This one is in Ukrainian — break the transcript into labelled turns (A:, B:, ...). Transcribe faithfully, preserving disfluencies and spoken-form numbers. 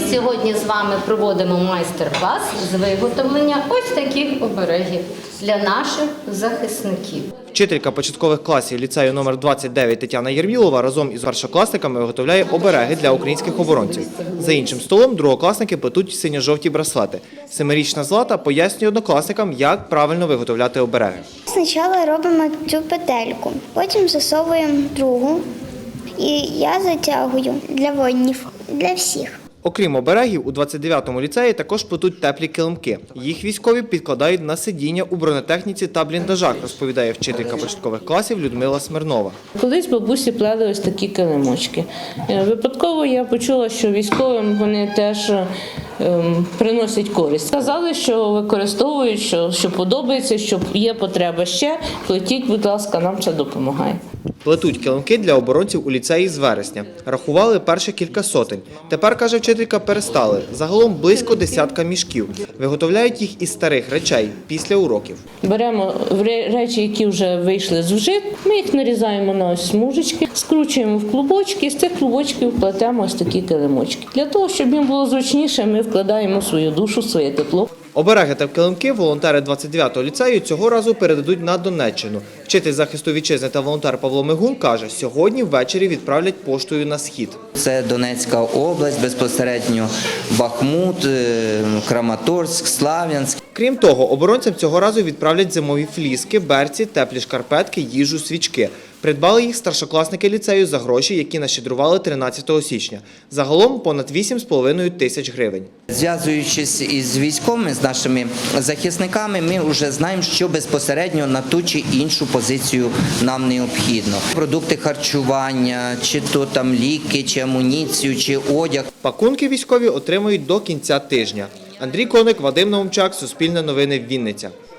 A: сьогодні з вами проводимо майстер-клас з виготовлення ось таких оберегів для наших захисників.
B: Вчителька початкових класів ліцею номер двадцять дев'ять Тетяна Єрмілова разом із першокласниками виготовляє обереги для українських оборонців. За іншим столом другокласники плетуть синьо-жовті браслети. Семирічна Злата пояснює однокласникам, як правильно виготовляти обереги.
C: Спочатку робимо цю петельку, потім засовуємо другу і я затягую для воїнів, для всіх.
B: Окрім оберегів, у двадцять дев'ятому ліцеї також плетуть теплі килимки. Їх військові підкладають на сидіння у бронетехніці та бліндажах, розповідає вчителька початкових класів Людмила Смирнова.
D: Колись бабусі плели ось такі килимочки. Випадково я почула, що військовим вони теж ем, приносять користь. Сказали, що використовують, що, що подобається, що є потреба ще. Плетіть, будь ласка, нам це допомагає.
B: Плетуть килимки для оборонців у ліцеї з вересня. Рахували перші кілька сотень. Тепер, каже вчителька, перестали. Загалом близько десятка мішків. Виготовляють їх із старих речей після уроків.
D: Беремо речі, які вже вийшли з вжит, ми їх нарізаємо на ось смужечки, скручуємо в клубочки, і з цих клубочків плетемо ось такі килимочки. Для того, щоб їм було зручніше, ми вкладаємо свою душу, своє тепло.
B: Обереги та килимки волонтери двадцять дев'ятого ліцею цього разу передадуть на Донеччину. Вчитель захисту вітчизни та волонтер Павло Мигун каже, сьогодні ввечері відправлять поштою на схід.
E: Це Донецька область, безпосередньо Бахмут, Краматорськ, Слав'янськ.
B: Крім того, оборонцям цього разу відправлять зимові фліски, берці, теплі шкарпетки, їжу, свічки. Придбали їх старшокласники ліцею за гроші, які нащедрували тринадцятого січня. Загалом понад вісім з половиною тисяч гривень.
E: Зв'язуючись із військовими, з нашими захисниками, ми вже знаємо, що безпосередньо на ту чи іншу позицію нам необхідно. Продукти харчування, чи то там ліки, чи амуніцію, чи одяг.
B: Пакунки військові отримують до кінця тижня. Андрій Коник, Вадим Наумчак, Суспільне новини, Вінниця.